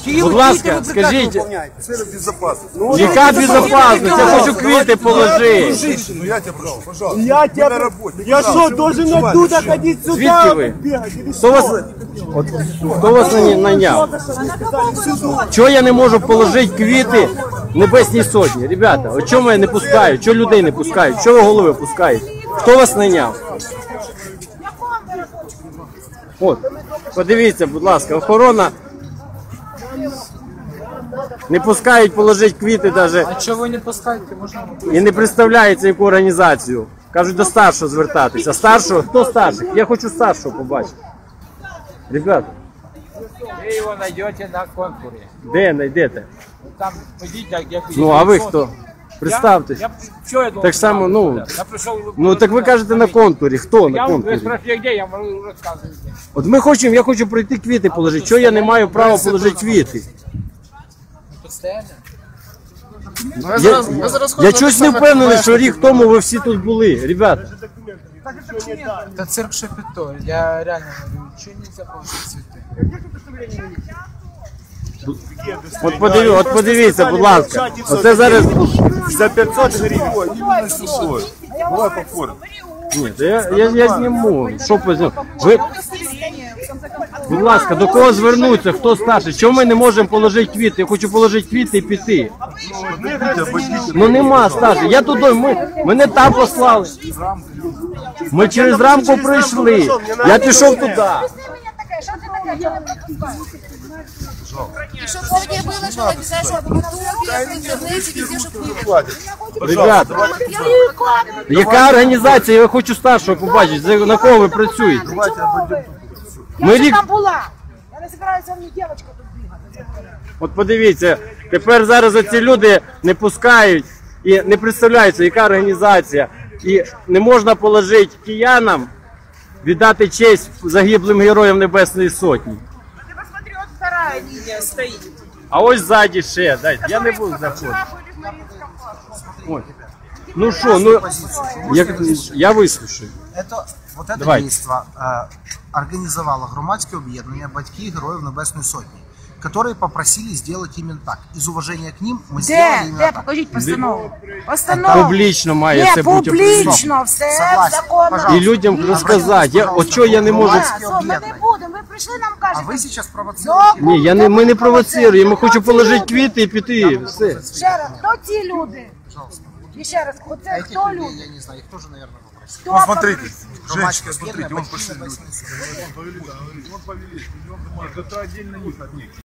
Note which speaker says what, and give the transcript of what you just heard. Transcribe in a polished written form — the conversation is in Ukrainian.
Speaker 1: Будь ласка, скажіть,
Speaker 2: Цель безопасности.
Speaker 1: яка безопасність? Я хочу квіти положити.
Speaker 2: Ну я тебя прошу, пожалуйста.
Speaker 3: Я
Speaker 2: Мы
Speaker 3: тебя...
Speaker 2: на работе.
Speaker 3: Я что, должен оттуда ходить сюда?
Speaker 1: Звідки ви?
Speaker 3: Бегать, или
Speaker 1: Хто вас, хто вас найняв? Чого я не можу положити квіти Небесній Сотні? Ребята, от чому я не пускаю? Чого людей не пускають? Чого ви голови пускають? Хто вас найняв? От, подивіться, будь ласка, охорона не пускають положити квіти навіть.
Speaker 4: А чого ви не пускаєте? Можна
Speaker 1: І не представляється, яку організацію. Кажуть, до старшого звертатися. Старшого? Хто старший? Я хочу старшого побачити. Ребята,
Speaker 4: ви його знайдете на конкурі.
Speaker 1: де знайдете?
Speaker 4: Там ходіть, як
Speaker 1: Ну, а ви хто? Представтесь.
Speaker 4: Що я
Speaker 1: Так само, ну,
Speaker 4: Я прийшов...
Speaker 1: ну так ви кажете на контурі. Хто на
Speaker 4: Ви
Speaker 1: контурі?
Speaker 4: спрашиваєте, де, я можу розказувати.
Speaker 1: От ми хочемо, я хочу пройти квіти положити. Чого я не маю права положити квіти? Я чогось не впевнений, що рік тому ви всі тут були. Ребята,
Speaker 4: Та цирк Шапіто, я реально говорю, чого нельзя положити цвіти?
Speaker 1: от подивіться, будь ласка. Оце зараз...
Speaker 2: За 500 гривен. Именно сухой. Давай по форме.
Speaker 1: Ні, я зніму. Що позніму? Ви... Будь ласка, до кого звернутися? Хто старший? Чому ми не можемо положити квіти? Я хочу положити квіти і піти. Ну нема старших. Я туди, мене там послали. Ми через рамку прийшли. Я пішов туди.
Speaker 5: И чтобы везде было, что обязательно в Ютубе, в интернете, везде, чтобы было.
Speaker 1: Ребята, яка організація? Я хочу старшого побачити. На кого ви працюєте? Ми рік...
Speaker 5: Я була. Я не збираюся мені дівчинка тут бігати.
Speaker 1: От подивіться, тепер зараз ці люди не пускають і не представляються, яка організація. І не можна положити киянам, віддати честь загиблим героям Небесної Сотні.
Speaker 5: Ты посмотри, вот вторая линия стоит.
Speaker 1: А ось ззаді ще, дайте, я не буду заходити. Ось. Ну що, ну, я вислушаю.
Speaker 6: Вот это
Speaker 1: Давайте.
Speaker 6: действо организовало громадское объединение «Батьки Героев Небесной Сотни», которые попросили сделать именно так. Из уважения к ним мы сделали именно так.
Speaker 5: Покажіть постанову. Постанову.
Speaker 1: Публічно має
Speaker 5: Ні,
Speaker 1: це бути.
Speaker 5: публічно, все
Speaker 6: Согласен,
Speaker 5: законно.
Speaker 6: пожалуйста.
Speaker 1: І людям розказати. От чого я не можу...
Speaker 5: Ми не будемо, ви прийшли, нам
Speaker 6: А
Speaker 5: кажете.
Speaker 6: вы сейчас провоцируете.
Speaker 1: Ні, ми не провоцируємо, ми хочемо положити квіти і піти. Все.
Speaker 5: Ще раз, хто ці люди? І ще раз, оце
Speaker 6: Этих
Speaker 5: хто
Speaker 6: людей,
Speaker 5: люди?
Speaker 6: я не знаю, их тоже, наверное, попросили.
Speaker 5: Хто
Speaker 2: Ну смотрите,
Speaker 6: Громадское
Speaker 2: женщина, смотрите,
Speaker 6: объединение
Speaker 2: он
Speaker 6: «Батьки
Speaker 2: пошли люди.
Speaker 6: Небесной Сотни».
Speaker 2: Он повели, это отдельно них от них.